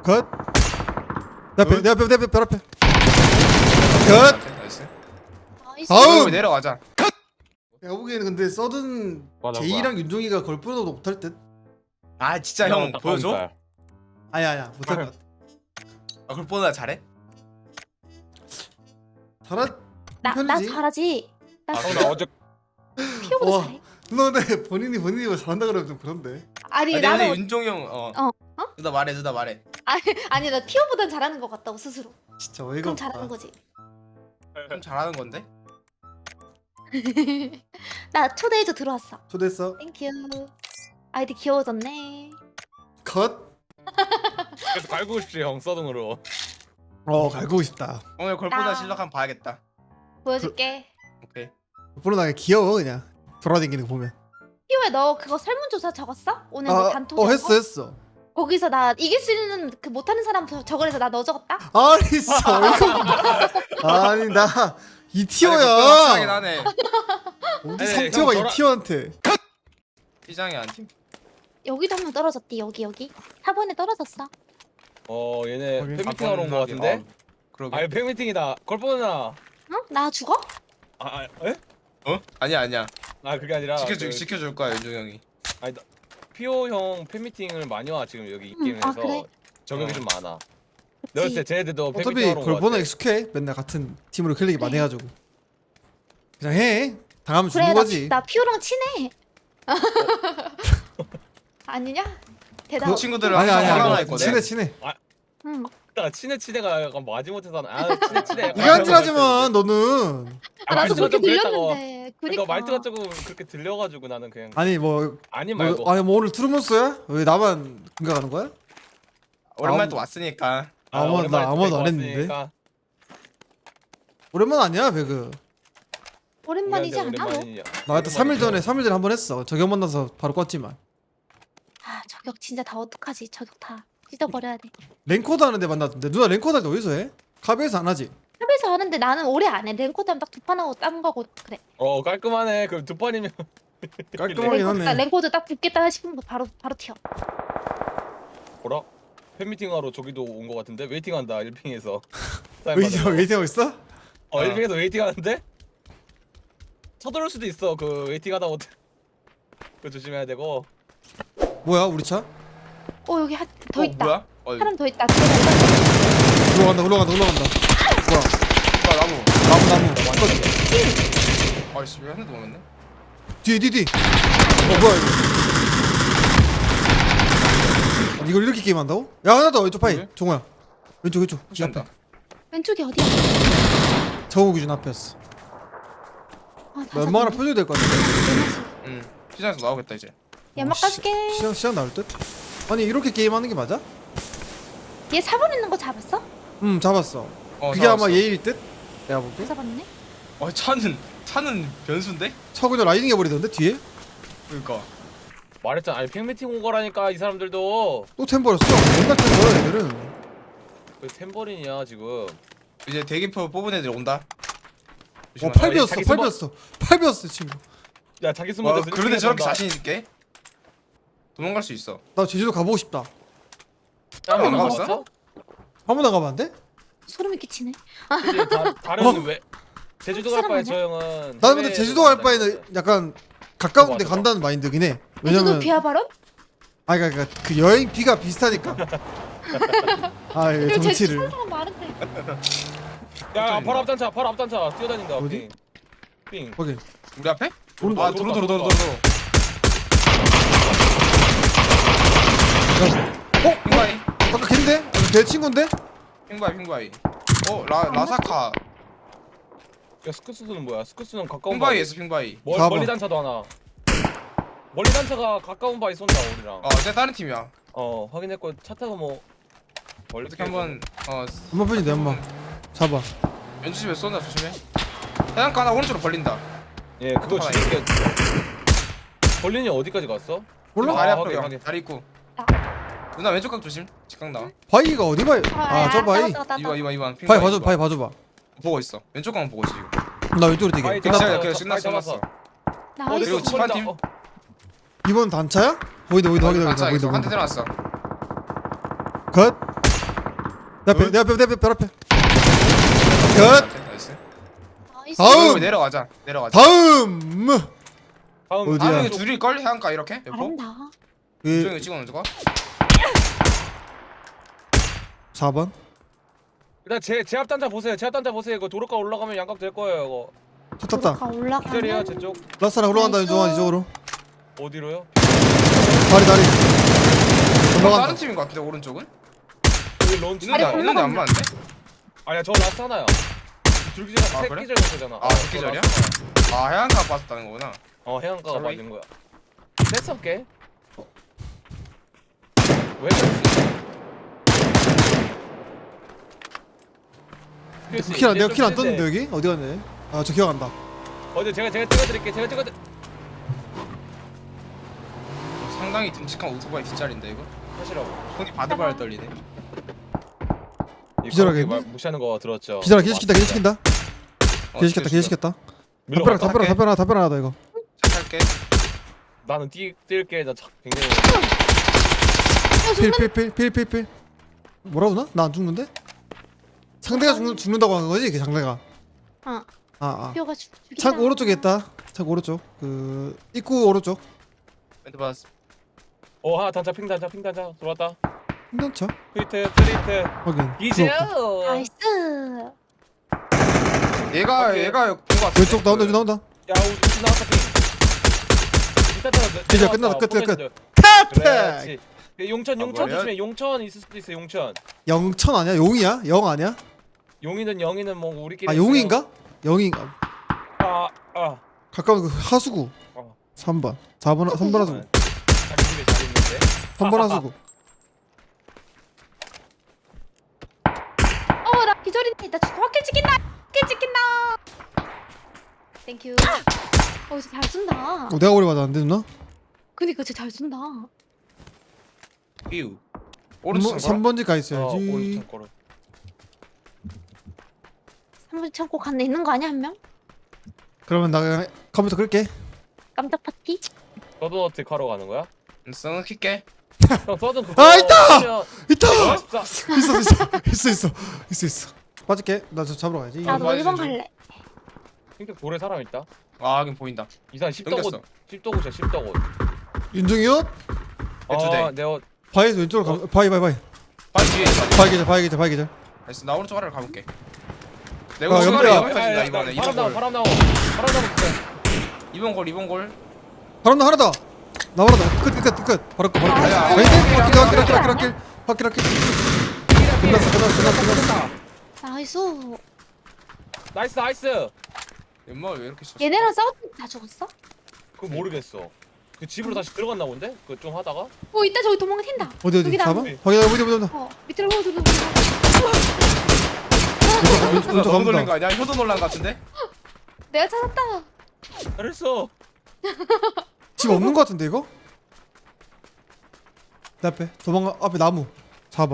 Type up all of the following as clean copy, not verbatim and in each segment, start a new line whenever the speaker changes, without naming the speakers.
컷. 내 앞에 별 앞에. 컷.
나이스.
나이스.
다음.
내려가자.
내가 보기에는 근데 서든
맞아,
제이랑 윤종이가 걸 뿌려도 못할 듯.
아 진짜 형 보여줘?
아니야 못할 것 같아.
아 그걸 보다 잘해?
잘하.
나
편이지.
잘하지. 나
아, 나 어제
피오보다
와.
잘해.
너 근데 본인이 뭐 잘한다 그러면 좀 그런데.
아니
아니 근데
나는
윤종이 형 누나 말해.
아니 나 피오보단 잘하는 것 같다고 스스로.
진짜 어이가
그럼
없다.
잘하는 거지.
좀 잘하는 건데?
나 초대해줘 들어왔어.
초대했어.
땡큐. 아이디 귀여워졌네.
컷.
그래서 갈고 싶지 형 서든으로.
갈고 싶다.
오늘 걸보다
나-
실력 한번 봐야겠다.
보여줄게.
오케이.
불어나게 귀여워 그냥. 돌아다니는 거 보면.
피오야 너 그거 설문조사 적었어? 오늘 뭐 단톡.
했어.
거기서 나 이길 수 있는 그 못하는 사람 적으래서 나 너 적었다.
아니 진짜 어이가 없다. 아니 나
하긴
2티어야.
하네.
어디
아니,
3티어가
형
2티어한테.
시장이 안 팀.
여기도 한 명 떨어졌디 여기. 4번에 떨어졌어.
얘네
확인.
팬미팅 하러 온 거 같은데?
그러게.
아니 팬미팅이다. 걸보나.
응? 나 죽어?
에?
아니야.
아 그게 아니라
지켜줄 거야 윤종이 형이.
아니 피오 형 팬미팅을 많이 와 지금 여기 이 게임에서
아, 그래?
적응이
어.
좀 많아. 내가 봤을 때 쟤네들도 팬미팅
어차피
하러 온거
걸보나
같아.
익숙해. 맨날 같은 팀으로 클릭이 많이
그래.
해가지고. 그냥 해. 당하면
그래
주는 거지.
나 피오랑 친해. 아니냐? 대답.
그
친구들은
아니
항상
아니
올라와
아니.
있거든.
친해.
응.
나 친해가 약간 마지못해서 친해.
이간질하지만 너는.
나도
말투가
그렇게
좀 그랬다고.
들렸는데.
그러니까
그니까.
말투가 조금 그렇게 들려가지고 나는 그냥
아니 뭐.
아니 말고.
뭐 오늘 트루먼스야? 왜 나만 생각하는 거야?
오랜만에 또 왔으니까.
아무도
오랜만에
나 아무도
또
안
뵙고
했는데.
왔으니까.
오랜만 아니야 배그.
오랜만이지 않아 너?
오랜만이냐.
나 그때 3일 전에 한 번 했어. 저격 만나서 바로 껐지만.
아 저격 진짜 다 어떡하지? 저격 다 찢어버려야 돼.
랭코드 하는데 만났던데. 누나 랭코드 할 때 어디서 해? 카베에서 안 하지?
협에서 하는데 나는 오래 안 해. 랭코드 하면 딱 두 판 하고 딴 거고 그래.
깔끔하네. 그럼 두 판이면
깔끔하긴
랭코드,
하네.
랭코드 딱 붙겠다 싶으면 바로 튀어.
뭐라? 팬미팅 하러 저기도 온 거 같은데 웨이팅한다 1핑에서.
웨이팅하고 있어?
1핑에서 웨이팅하는데? 서두를 수도 있어. 그 웨이팅하다 못. 그 조심해야 되고.
뭐야 우리 차?
여기 더 있다.
뭐야?
사람 더 있다.
올라간다. 뭐야?
나무.
나무.
아이씨 왜 한 대도 못 맞네?
뒤. 뭐야 이거? 아니, 이걸 이렇게 게임한다고? 야 하나 더 왼쪽 파이.
그래?
종호야. 왼쪽. 이
푸시한다.
앞에.
왼쪽이 어디야?
정우 기준 앞이었어.
아,
너 얼마나 표정이 될 것 같은데?
응. 시장에서 나오겠다 이제.
연막 까줄게.
시장 나올 듯? 아니 이렇게 게임하는 게 맞아?
얘 4번 있는 거 잡았어?
잡았어. 그게
잡았어.
아마 예일 듯? 내가 볼게.
잡았네.
차는 변수인데?
차 그냥 라이딩 해버리던데 뒤에?
그러니까.
말했잖아. 아니 팬미팅 온 거라니까 이 사람들도.
또 템버렸어. 맨날 템버야 얘들은.
그 템버린이야 지금.
이제 대기표 뽑은 애들 온다.
팔비였어.
자기
팔비였어 친구.
야 자기 숨어서.
그런데 저렇게 자신 있게 도망갈 수 있어.
나 제주도 가보고 싶다.
안
안
가봤어?
가봤어?
한 번 안 가면 안 돼?
소름이 끼치네.
그치, 다른 왜 제주도 갈 바에 저 형은.
나는 근데 제주도 갈 바에는 약간 가까운 데
맞아.
간다는 마인드긴 해.
제주도
왜냐면
비하 발언?
그러니까 그 여행 비가 비슷하니까.
제주
정치를.
사는 사람 많은데.
야 바로 앞단차 뛰어다닌다.
어디?
삥.
오케이.
우리 앞에?
오른쪽.
아 도로. 핑바이.
아까 걔인데? 걔 친구인데?
핑바이. 라사카.
야 스쿠스는 뭐야? 스쿠스는 가까운
핑바이에서 핑바이.
잡아.
멀리 단차도 하나. 멀리 단차가 가까운 바위 쏜다 우리랑.
쟤 다른 팀이야.
확인했고 차 타고 뭐 멀리
어떻게 한번
엄마 편인데 엄마. 잡아.
왼쪽집에 쏜다 조심해. 해안가 하나 오른쪽으로 벌린다.
예 그거
하나
죽일게. 벌린이 어디까지 갔어?
몰라?
다리
확인,
앞에
확인.
다리 있고.
나.
누나 왼쪽 각 조심. 직각 나와.
바위가 어디 바위? 저 바위.
이번
바위 봐줘. 바위 봐줘봐.
보고 있어. 왼쪽 각은 보고 있어 지금.
나 왼쪽으로 되게.
바위
끝났다.
잡았어.
끝났어.
나이스.
그리고 집 한 팀.
이번 단차야? 보이다.
한대
보이다.
때려놨어.
컷. 내 앞에 별 앞에. 끝.
나이스.
나이스.
다음!
내려가자.
다음.
다음
어디야?
다음에 둘일걸? 해안가 이렇게? 몇 번?
잘한다.
그
조용히 찍어놓은 거?
4번.
일단 제 앞단자 보세요. 제 앞단자 보세요. 이거 도로가 올라가면 양각 될 거예요. 이거
쳤다.
도로가 올라가면
기절이야 제 쪽.
라스랑 올라간다
나이스.
윤종아 이쪽으로.
어디로요?
다리.
다른
올라간다.
팀인 거 같은데 오른쪽은?
여기 런치.
있는데
아니,
있는데 안 맞는데?
아니야 저 라스트 하나야. 둘기절
아,
세
그래?
기절 정도잖아.
아, 세 기절이야? 아 해안가 빠졌다는 거구나.
해안가가
sorry.
맞는 거야. 뺐었게. 왜 그랬지?
내가 킬안 떴는데 여기? 어디 갔네? 아 저 기억한다.
어제 제가 찍어드릴게. 제가 찍어드.
상당히 듬직한 오토바이 뒷자리인데 이거?
하시라고.
손이 바들바들 떨리네.
기절하겠네?
무시하는 거 들었죠.
기절아 기절시킨다.
어,
기절시켰다.
밀러갈까?
답변 하나다 이거.
착할게.
나는 뛸게. 나 굉장히.
필. 뭐라고 나? 나 안 죽는데? 상대가 죽는다고 하는 거지? 그 상대가.
어. 뼈가 죽이다.
창 오른쪽에 있다. 창 오른쪽. 그 입구 오른쪽.
멘트 받았어.
하나 단자 핑 단자 들어왔다.
힘든차.
트리트
확인.
이제
나이스.
얘가 본거 같아.
왼쪽 나온다.
야 우리 나왔다 핑.
이제 끝났다. 끝.
그렇지. 용천
뭐야?
조심해. 용천 있을 수도 있어. 용천.
영천 아니야? 용이야? 영 아니야?
용이는 뭐 우리끼리.
아 용인가? 영인가?
아.
가까운 그 하수구.
어.
3번. 3번 하수구.
자기 집에 잘 있는데.
3번 하수구.
나 기절인데 나 지금 확킬 찍힌다. 땡큐. 진짜 잘 쏜다.
내가 오래 받았는데 누나?
그니까 진짜 잘 쏜다.
삐우. 오른쪽
3번지 가
오른쪽
있어야지.
거로.
3분 창고 간데 있는 거 아니야 한 명?
그러면 나 그냥 컴퓨터 끌게.
깜짝 파티?
너도 어떻게 하러 가는 거야?
써 킬게.
형 서든 그거.
아, 있다!
하면
있다.
14.
있어. 빠질게. 나 저 잡으러 가야지.
나도
맞아,
1번
진짜.
갈래.
핑크 돌에 사람 있다.
아 하긴 보인다.
이상
끊겼어.
10도고자 10도고.
윤종이 옷?
두 대.
내가
바위 왼쪽으로 가. 바위.
바위 뒤에 있어.
바위 계절.
알았어. 나 오른쪽 아래로 가볼게.
아,
내가 오른쪽
연결이야.
아래 터진다 이번에.
바람 나오.
이번 골.
바로 하나 더. 나와라. 끝. 바로 끝.
아니야.
확킬. 끝났어.
나이스.
엄마 왜 이렇게 쳤어?
얘네랑 싸웠는데 다 죽었어?
그거 모르겠어. 그 집으로 다시 들어갔나 본데? 그 좀 하다가.
이따 저기 도망튄다.
어디
여기다.
4번? 확인. 어디.
밑으로 저기.
왼쪽
너무 놀란 거
갑니다.
아니야? 효도 놀란 거 같은데?
내가 찾았다.
잘했어.
집 없는 거 같은데 이거? 내 앞에 도망가. 앞에 나무. 4번.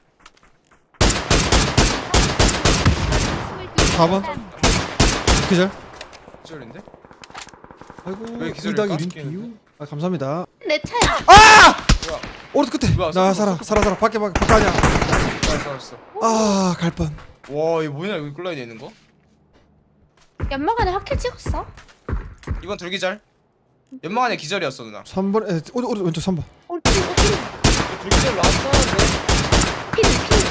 4번. 기절.
기절인데?
아이고.
왜 기절일까?
2당 1인 비유. 아 감사합니다.
내 차야.
뭐야?
오른쪽 끝에.
뭐야,
나
쏘고
살아. 밖에 아니야.
알았어.
아, 갈 뻔.
와 이거 뭐냐 여기 끌라인에 있는 거?
연막 안에 확킬 찍었어?
이번 둘기절. 연막 안에 기절이었어 누나.
3번. 오른 왼쪽 3번.
둘기절 라스트 하는데.
핀.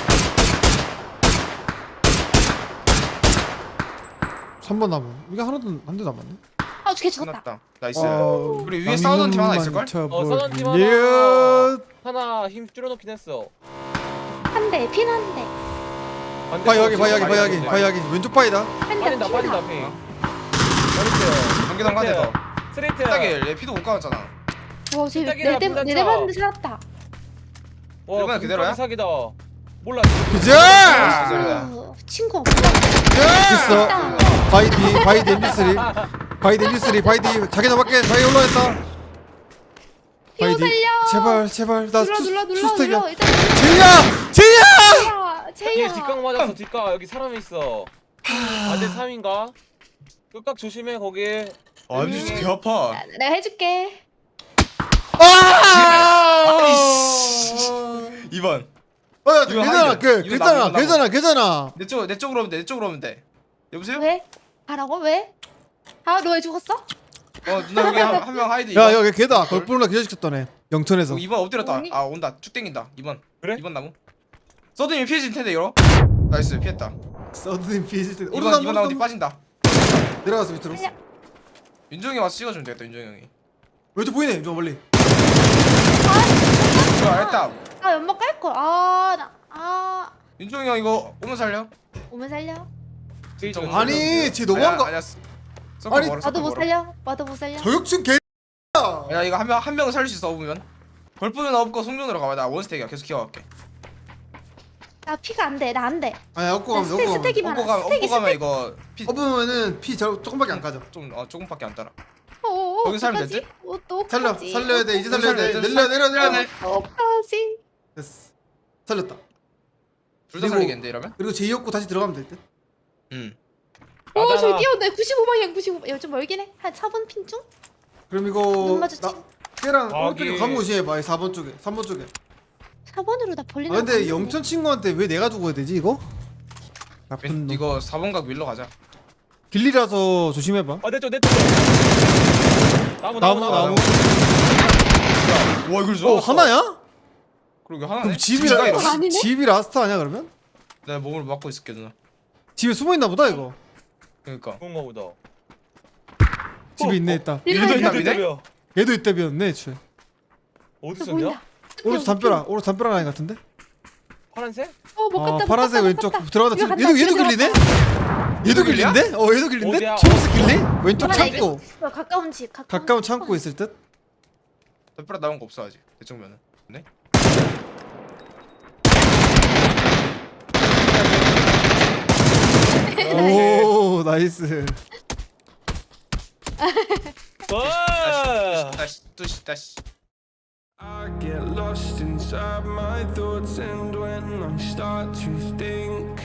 3번 나무. 이게 하나도 한 대도 안 맞네.
걔 죽었다.
끝났다. 나이스.
어,
우리 위에 싸우던 팀 하나 있을걸?
싸우던 팀 하나 힘 줄여놓긴 했어.
한 대, 핀 한 대.
바위 여기. 왼쪽 바위다.
한 대.
빠진다 핑. 잘했어요.
경기당 한대 더.
스트레이트.
딱에 얘 피도 못 감았잖아.
와,
삐딱이다, 삐딱이다.
쟤네대 봤는데 살았다.
와
일본은 그대로야?
사기다. 몰라.
기절!
기절이다.
친구 없어.
있어.
있다.
바위 D MP3 바위 D 자기장 밖에 바위 올라왔다.
피오 살려.
제발 나
눌러.
수스택이야.
일단
제이야!
제이야.
여기 뒷각 맞았어. 뒷각 여기 사람이 있어. 아대 3인가? 끝각 조심해 거기.
아 진짜 개 아파.
내가 해줄게.
아!
2번.
야
이거
괜찮아
하이드. 이거
괜찮아
나무,
괜찮아 괜찮아.
내 쪽으로 오면 돼. 내 쪽으로 오면 돼. 여보세요?
왜? 가라고? 왜? 아, 너 왜 죽었어?
누나 여기 한 명 하이드.
야
2번.
여기 걔다 걸프로나 기절시켰다네 영천에서.
2번 엎드렸다.
아니.
아 온다. 쭉 땡긴다. 2번.
그래?
2번 나무. 서든이 피해질 텐데 이거. 나이스 피했다.
서든이 피해질 때
2번 나무 뒤 빠진다.
내려가서 밑으로.
살려.
윤종이 와서 찍어주면 되겠다. 윤종이 형이.
왼쪽 보이네 좀 멀리.
좋아 했다.
아, 연막 깔걸.
윤종이 형 이거 오면 살려.
오면 살려.
정말.
아니 쟤 너무한 거.
아니야.
아니,
나도 못 살려. 나도 못 살려.
저격증 개.
야 이거 한 명은 살릴 수 있어 오면. 걸프는 없고 송전으로 가봐. 나 원스택이야. 계속 키워갈게.
나 피가 안 돼. 나 안 돼.
아니 업고 가면
스택,
업고 가면.
스택이 많아. 스택이
업고 가면 이거 피
업으면은 피 조금밖에 안 까져.
조금밖에 안 따라.
어,
거기 살면 되지?
또
살려야 돼 이제 살려야 돼.
살려야 돼.
내려.
어까지.
됐어. 살렸다.
둘 다
그리고-
살리겠는데 이러면?
그리고 제 업고 다시 들어가면 될 듯.
응.
오, 저기 뛰어온다. 95방향 95. 야, 좀 멀긴 해. 한 4번 핀 중?
그럼
눈
이거
마주치.
걔랑
아,
오른쪽에
여기.
가면 무시해봐. 4번 쪽에 3번 쪽에.
4번으로 나
아
벌리는
근데
거 같은데.
영천 친구한테 왜 내가 죽어야 되지 이거? 나쁜 놈.
이거 4번각 밀러 가자.
길리라서 조심해봐.
내쪽 나무
나무.
와 이걸
어 하나야?
그러게 하나네.
그럼 집이
집이가 이러네.
아니네?
집이 라스트 아니야 그러면?
내가 몸을 막고 있을게 누나.
집에 숨어 있나 보다 이거.
그러니까.
그런가 보다.
집에 있네 있다.
일도
일로
있나
있다.
보네?
대비야.
얘도 이때 비었네 애초에.
어디
저
있었냐?
보인다.
오른쪽 담벼락 오른쪽 담벼락 라인 같은데?
파란색?
못 갔다.
파란색 왼쪽 들어가다
이거
얘도
간다,
얘도
집에
길리네?
들어갔다.
얘도
길리야?
길린데? 얘도 길린데?
어디야?
초록색 길리? 왼쪽
그러네,
창고.
이거 가까운 집.
가까운 창고 있을 듯?
덮으라 나온 거 없어 아직. 내 쪽면은. 네?
오 나이스.
와!
다시.
I get lost inside my thoughts, and when I start to think